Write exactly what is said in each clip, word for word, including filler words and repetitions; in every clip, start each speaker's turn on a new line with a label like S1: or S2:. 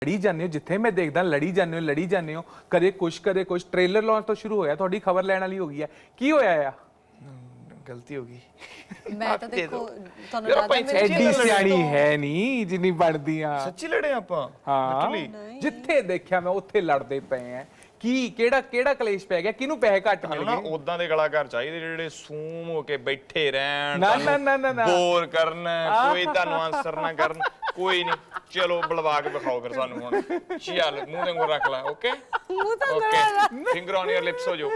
S1: लड़ी जाने हो जिथे मैं देखदा लड़ी जाने हो लड़ी जाने हो कदे कुछ कदे कुछ ट्रेलर लॉन्च तो शुरू होया थोड़ी खबर लैण वाली हो गई है की होया आ
S2: गलती हो गई
S3: मैं तो देखो ਤੁਹਾਨੂੰ
S2: ਯਾਰ
S3: ਜ਼ਿਆਦਾ
S2: ਆਪਾਂ
S3: ਮੇਰੇ
S1: एडी सियाणी है नहीं जिन्नी बनदी आ
S2: ਸੱਚੀ ਲੜੇ ਆਪਾਂ
S1: ਹਾਂ ਜਿੱਥੇ ਦੇਖਿਆ ਮੈਂ ਉੱਥੇ ਲੜਦੇ ਪਏ ਆ ਕੀ ਕਿਹੜਾ ਕਿਹੜਾ ਕਲੇਸ਼ ਪੈ ਗਿਆ ਕਿਹਨੂੰ ਪੈਸੇ ਘੱਟ ਮਿਲ
S2: ਨਾ
S1: ਗਏ
S2: ਉਦਾਂ ਦੇ ਕਲਾਕਾਰ ਚਾਹੀਦੇ ਜਿਹੜੇ ਸੂਮ ਹੋ ਕੇ ਬੈਠੇ ਰਹਿਣ
S1: ਨਾ ਨਾ ਨਾ ਨਾ ਨਾ
S2: ਬੋਰ ਕਰਨ ਕੋਈ ਤੁਹਾਨੂੰ ਆਨਸਰ ਨਾ ਕਰਨ ਕੋਈ ਨਹੀਂ ਚਲੋ ਬੁਲਵਾ ਕੇ ਵਿਖਾਓ ਫਿਰ ਸਾਨੂੰ ਹੁਣ ਚੱਲ ਮੂੰਹ ਦੇ ਅੰਗੂ ਰੱਖ ਲੈ ਓਕੇ
S3: ਮੂੰਹ ਤਾਂ
S2: okay finger on your lips ਹੋ ਜੋ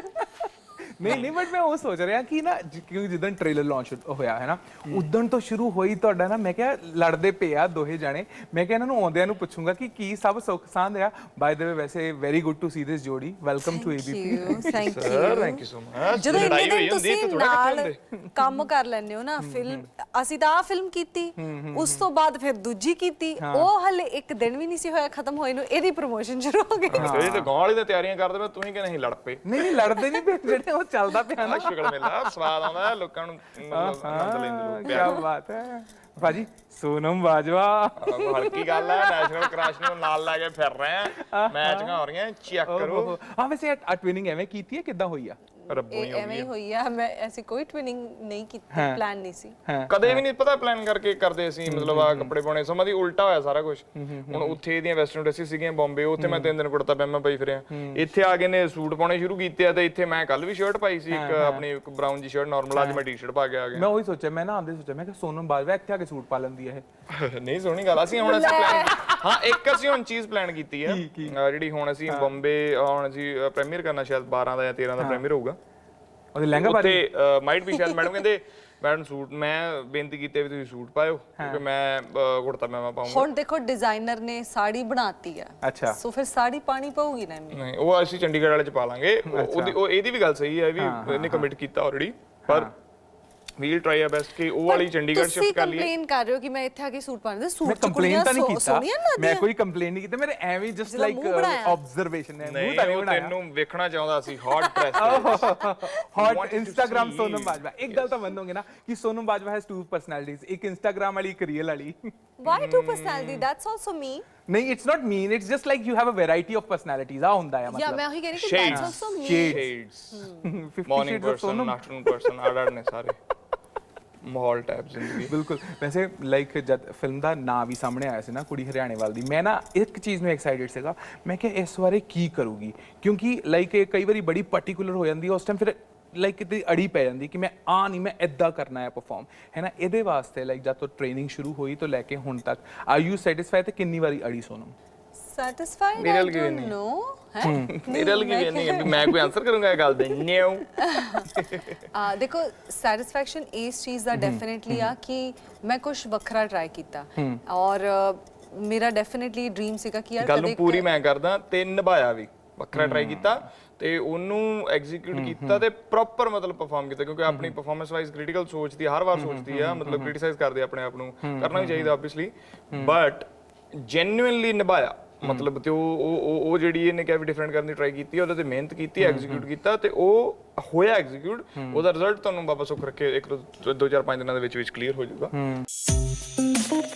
S1: ਨਹੀਂ ਨਹੀਂ ਬਟ ਮੈਂ ਉਹ ਸੋਚ ਰਿਹਾ ਕਿ ਨਾ ਕਿਉਂਕਿ ਜਦੋਂ ਟ੍ਰੇਲਰ ਲਾਂਚ ਹੋਇਆ ਹੈ ਨਾ ਉਦੋਂ ਤੋਂ ਸ਼ੁਰੂ ਹੋਈ ਤੁਹਾਡਾ ਨਾ ਮੈਂ ਕਿਹਾ ਲੜਦੇ ਪਏ ਆ ਦੋਹੇ ਜਾਣੇ ਮੈਂ ਕਿਹਾ ਇਹਨਾਂ ਨੂੰ ਆਉਂਦਿਆਂ ਨੂੰ ਪੁੱਛੂੰਗਾ ਕਿ ਕੀ ਸਭ ਸੁੱਖ ਸਾਂਦ ਆ ਬਾਏ ਦ ਵੇ ਵੈਸੇ very good to see this ਜੋੜੀ welcome to ABP
S3: thank
S2: sir
S3: you
S2: thank you so much
S3: ਜਦੋਂ ਇੰਨੇ ਦਿਨ ਤੁਸੀਂ ਨਾਲ ਕੰਮ ਕਰ ਲੈਂਦੇ ਹੋ ਨਾ ਫਿਲਮ ਅਸੀਂ ਤਾਂ ਆ ਫਿਲਮ ਕੀਤੀ ਉਸ ਤੋਂ ਬਾਅਦ ਫਿਰ ਦੂਜੀ ਕੀਤੀ ਉਹ ਹਲੇ ਇੱਕ ਦਿਨ ਵੀ ਨਹੀਂ ਸੀ ਹੋਇਆ ਖਤਮ ਹੋਏ ਨੂੰ ਇਹਦੀ ਪ੍ਰੋਮੋਸ਼ਨ ਸ਼ੁਰੂ ਹੋ ਗਈ
S2: ਇਹ ਤੇ ਗਾਂ ਵਾਲੀ ਦੀਆਂ ਤਿਆਰੀਆਂ ਕਰਦੇ ਮੈਂ ਤੁਸੀਂ ਕਿ ਨਹੀਂ ਲੜ ਪਏ
S1: ਨਹੀਂ ਨਹੀਂ ਲੜਦੇ ਨਹੀਂ ਪਏ ਜਿਹੜੇ ਉਹ ਚੱਲਦਾ ਪਿਆ ਨਾ
S2: ਸ਼ੁਕਰ ਮੇਲਾ ਸਵਾਦ ਆਉਂਦਾ ਲੋਕਾਂ ਨੂੰ ਮਤਲਬ ਆਨੰਦ ਲੈਂਦੇ ਲੋਕ
S1: ਕੀ ਬਾਤ ਹੈ ਭਾਜੀ ਸੋਨਮ ਬਾਜਵਾ
S2: ਹਲਕੀ ਗੱਲ ਹੈ ਨੈਸ਼ਨਲ ਕ੍ਰਸ਼ ਨੂੰ ਨਾਲ ਲੈ ਕੇ ਫਿਰ ਰਹੇ ਆ ਮੈਚਾਂ ਹੋ ਰਹੀਆਂ ਚੈੱਕ ਕਰੋ
S1: ਹਾਂ ਵੈਸੇ ਆ ਟਵਿਨਿੰਗ ਐਵੇਂ ਕੀਤੀ ਹੈ ਕਿੱਦਾਂ ਹੋਈ ਆ
S2: ਰੱਬੋਂ ਹੀ
S3: ਐਵੇਂ ਹੀ ਹੋਈ ਆ ਮੈਂ ਐਸੀ ਕੋਈ ਟਵਿਨਿੰਗ ਨਹੀਂ ਕੀਤੀ ਪਲਾਨ ਨਹੀਂ ਸੀ
S2: ਕਦੇ ਵੀ ਨਹੀਂ ਪਤਾ ਪਲਾਨ ਕਰਕੇ ਕਰਦੇ ਸੀ ਮਤਲਬ ਆ ਕੱਪੜੇ ਪਾਉਣੇ ਸਮਾਂ ਦੀ ਉਲਟਾ ਹੋਇਆ ਸਾਰਾ ਕੁਝ ਹੁਣ ਉੱਥੇ ਇਹਦੀਆਂ ਵੈਸਟਰਨ ਡਰੈਸਿਸ ਸੀਗੀਆਂ ਬੰਬੇ ਉੱਥੇ ਮੈਂ ਤਿੰਨ ਦਿਨ ਕੁੜਤਾ ਪਜਾਮਾ ਪਾਈ ਫਿਰਿਆ ਇੱਥੇ ਆ ਕੇ ਨੇ ਸੂਟ ਪਾਉਣੇ ਸ਼ੁਰੂ ਕੀਤੇ ਆ ਤੇ ਇੱਥੇ ਮੈਂ ਕੱਲ ਵੀ ਸ਼ਰਟ ਪਾਈ ਸੀ ਇੱਕ ਆਪਣੀ ਇੱਕ ਬਰਾਊਨ ਜੀ ਸ਼ਰਟ ਨਾਰਮਲ ਅੱਜ ਮੈਂ ਟੀ-ਸ਼ਰਟ ਪਾ ਕੇ ਆ ਗਿਆ
S1: ਮੈਂ ਉਹੀ ਸੋਚਿਆ ਮੈਂ ਨਾ ਆਂਦੇ ਸੋਚਿਆ ਮੈਂ ਕਿ ਸੋਨਮ ਬਾਜਵਾ ਇੱਥੇ ਆ ਕੇ ਸੂਟ ਪਾ ਲੈਂਦੀ ਹੈ
S2: ਇਹ ਨਹੀਂ ਸੋਹਣੀ ਗੱਲ ਅਸੀਂ ਹੁਣ ਅਸੀਂ ਪਲਾਨ ਹਾਂ ਇੱਕ ਅਸੀਂ ਹੁਣ ਚੀਜ਼ ਪਲਾਨ ਕੀਤੀ ਹੈ ਜਿਹੜੀ ਹੁਣ ਅਸੀਂ ਬੰਬੇ ਹੁਣ ਅਸੀਂ ਪ੍ਰੀਮੀਅਰ ਕਰਨਾ ਸ਼ਾਇਦ ਬਾਰਾਂ ਦਾ ਜਾਂ ਤੇਰਾਂ ਦਾ ਪ੍ਰੀਮੀਅਰ ਹੋਊਗਾ
S1: ਉਹਦੇ ਲਹਿੰਗਾ ਬਾਰੇ
S2: ਤੇ ਮਾਈਟ ਵੀ ਸ਼ਾਇਦ ਮੈਡਮ ਕਹਿੰਦੇ ਮੈਡਮ ਸੂਟ ਮੈਂ ਬੇਨਤੀ ਕੀਤੀ ਵੀ ਤੁਸੀਂ ਸੂਟ ਪਾਇਓ ਕਿਉਂਕਿ ਮੈਂ ਕੁੜਤਾ ਪਜਾਮਾ ਪਾਉਂਗਾ
S3: ਹੁਣ ਦੇਖੋ ਡਿਜ਼ਾਈਨਰ ਨੇ ਸਾੜੀ ਬਣਾਤੀ ਆ
S1: ਅੱਛਾ
S3: ਸੋ ਫਿਰ ਸਾੜੀ ਪਾਣੀ ਪਊਗੀ ਨਾ ਇਹਨੂੰ
S2: ਨਹੀਂ ਉਹ ਅਸੀਂ ਚੰਡੀਗੜ੍ਹ ਵਾਲੇ ਚ ਪਾ ਲਾਂਗੇ ਉਹਦੀ ਉਹ ਇਹਦੀ ਵੀ ਗੱਲ ਸਹੀ ਹੈ ਵੀ ਇਹਨੇ ਕਮਿਟ ਕੀਤਾ ਆਲਰੇਡੀ ਪਰ ਵੀਲ ਟਰਾਈ ਆ ਬੈਸਟ ਕਿ ਉਹ ਵਾਲੀ ਚੰਡੀਗੜ੍ਹ ਸ਼ਿਫਟ ਕਰ ਲਈਏ
S3: ਕੰਪਲੇਨ ਕਰ ਰਹੇ ਹੋ ਕਿ ਮੈਂ ਇੱਥੇ ਆ ਕੇ ਸੂਟ ਪਾਉਂਦਾ ਸੂਟ
S1: ਮੈਂ ਕੰਪਲੇਨ ਤਾਂ ਨਹੀਂ ਕੀਤਾ ਮੈਂ ਕੋਈ ਕੰਪਲੇਨ ਨਹੀਂ ਕੀਤਾ ਮੇਰੇ ਐਵੇਂ ਜਸਟ ਲਾਈਕ ਆਬਜ਼ਰਵੇਸ਼ਨ ਹੈ ਮੂੰਹ ਤਾਂ ਨਹੀਂ ਬਣਾਇਆ
S2: ਤੈਨੂੰ ਵੇਖਣਾ ਚਾਹੁੰਦਾ ਸੀ hot press
S1: hot Instagram Sonam Bajwa ਇੱਕ ਗੱਲ ਤਾਂ ਮੰਨੋਗੇ ਨਾ ਕਿ Sonam Bajwa has two personalities ਇੱਕ ਇੰਸਟਾਗ੍ਰਾਮ ਵਾਲੀ ਇੱਕ ਰੀਅਲ ਵਾਲੀ
S3: why two personality that's also me
S1: ਨਹੀਂ it's not mean it's just like you have a variety of personalities ਆ ਹੁੰਦਾ ਹੈ
S3: ਯਾ
S1: ਮਤਲਬ
S3: ਮੈਂ ਉਹੀ ਕਹਿ ਰਹੀ ਕਿ that's also me
S2: shades morning person afternoon person order ਨੇ ਸਾਰੇ ਮਾਹੌਲ ਟਾਈਪ ਜ਼ਿੰਦਗੀ
S1: ਬਿਲਕੁਲ ਵੈਸੇ ਲਾਈਕ ਜਦ ਫਿਲਮ ਦਾ ਨਾਂ ਵੀ ਸਾਹਮਣੇ ਆਇਆ ਸੀ ਨਾ ਕੁੜੀ ਹਰਿਆਣੇ ਵਾਲ ਦੀ ਮੈਂ ਨਾ ਇੱਕ ਚੀਜ਼ ਨੂੰ ਐਕਸਾਈਟਡ ਸੀਗਾ ਮੈਂ ਕਿ ਇਸ ਬਾਰੇ ਕੀ ਕਰੂਗੀ ਕਿਉਂਕਿ ਲਾਈਕ ਇਹ ਕਈ ਵਾਰੀ ਬੜੀ ਪਾਰਟਿਕੂਲਰ ਹੋ ਜਾਂਦੀ ਹੈ ਉਸ ਟਾਈਮ ਫਿਰ ਲਾਈਕ ਕਿਤੇ ਅੜੀ ਪੈ ਜਾਂਦੀ ਕਿ ਮੈਂ ਆ ਨਹੀਂ ਮੈਂ ਇੱਦਾਂ ਕਰਨਾ ਹੈ ਪਰਫਾਰਮ ਹੈ ਨਾ ਇਹਦੇ ਵਾਸਤੇ ਲਾਈਕ ਜਦ ਤੋਂ ਟ੍ਰੇਨਿੰਗ ਸ਼ੁਰੂ ਹੋਈ ਤੋਂ ਲੈ ਕੇ ਹੁਣ ਤੱਕ ਆਰ ਯੂ ਸੈਟੀਸਫਾਈ ਤੇ ਕਿੰਨੀ ਵਾਰੀ ਅੜੀ ਸੋਨਮ
S3: ਸੈਟੀਸਫਾਈਡ
S2: ਮੇਰੇ
S3: ਆਈ
S2: ਲਈ ਵੀ
S3: ਡੋਨਟ
S2: ਨਹੀਂ।
S3: ਨੋ ਹੈ
S2: ਮੇਰੇ ਲਈ ਵੀ ਨਹੀਂ ਮੈਂ ਕੋਈ ਆਨਸਰ ਕਰੂੰਗਾ ਇਹ ਗੱਲ ਦੇ ਨਿਓ
S3: ਆ ਦੇਖੋ ਸੈਟੀਸਫੈਕਸ਼ਨ ਇਸ ਚੀਜ਼ ਦਾ ਡੈਫੀਨਿਟਲੀ ਆ ਕਿ ਮੈਂ ਕੁਝ ਵੱਖਰਾ ਟਰਾਈ ਕੀਤਾ ਔਰ ਮੇਰਾ ਡੈਫੀਨਿਟਲੀ ਡ੍ਰੀਮ ਸੀਗਾ ਕਿ ਯਾਰ
S2: ਗੱਲ ਨੂੰ ਪੂਰੀ ਮੈਂ ਕਰਦਾ ਤੇ ਨਿਭਾਇਆ ਵੀ ਵੱਖਰਾ ਟਰਾਈ ਕੀਤਾ ਤੇ ਉਹਨੂੰ ਐਗਜ਼ੀਕਿਊਟ ਕੀਤਾ ਤੇ ਪ੍ਰੋਪਰ ਮਤਲਬ ਪਰਫਾਰਮ ਕੀਤਾ ਕਿਉਂਕਿ ਆਪਣੀ ਪਰਫਾਰਮੈਂਸ ਵਾਈਜ਼ ਕ੍ਰਿਟੀਕਲ ਸੋਚਦੀ ਹਰ ਵਾਰ ਸੋਚਦੀ ਆ ਮਤਲਬ ਕ੍ਰਿਟਿਸਾਈਜ਼ ਕਰਦੇ ਆਪਣੇ ਆਪ ਨੂੰ ਕਰਨਾ ਵੀ ਚਾਹੀਦਾ ਆਬਵੀਅਸਲੀ ਬਟ ਜੈਨੂਇਨਲੀ ਨਿਭਾਇਆ ਮਤਲਬ ਤੇ ਉਹ ਉਹ ਉਹ ਜਿਹੜੀ ਇਹਨੇ ਕਿਹਾ ਵੀ ਡਿਫਰੈਂਟ ਕਰਨ ਦੀ ਟਰਾਈ ਕੀਤੀ ਉਹਦੇ ਤੇ ਮਿਹਨਤ ਕੀਤੀ ਐਗਜ਼ੀਕਿਊਟ ਕੀਤਾ ਤੇ ਉਹ ਹੋਇਆ ਐਗਜ਼ੀਕਿਊਟ ਉਹਦਾ ਰਿਜ਼ਲਟ ਤੁਹਾਨੂੰ ਬਾਬਾ ਸੁੱਖ ਰੱਖੇ ਇੱਕ ਦੋ ਚਾਰ ਪੰਜ ਦਿਨਾਂ ਦੇ ਵਿੱਚ ਵਿੱਚ ਕਲੀਅਰ ਹੋ ਜਾਊਗਾ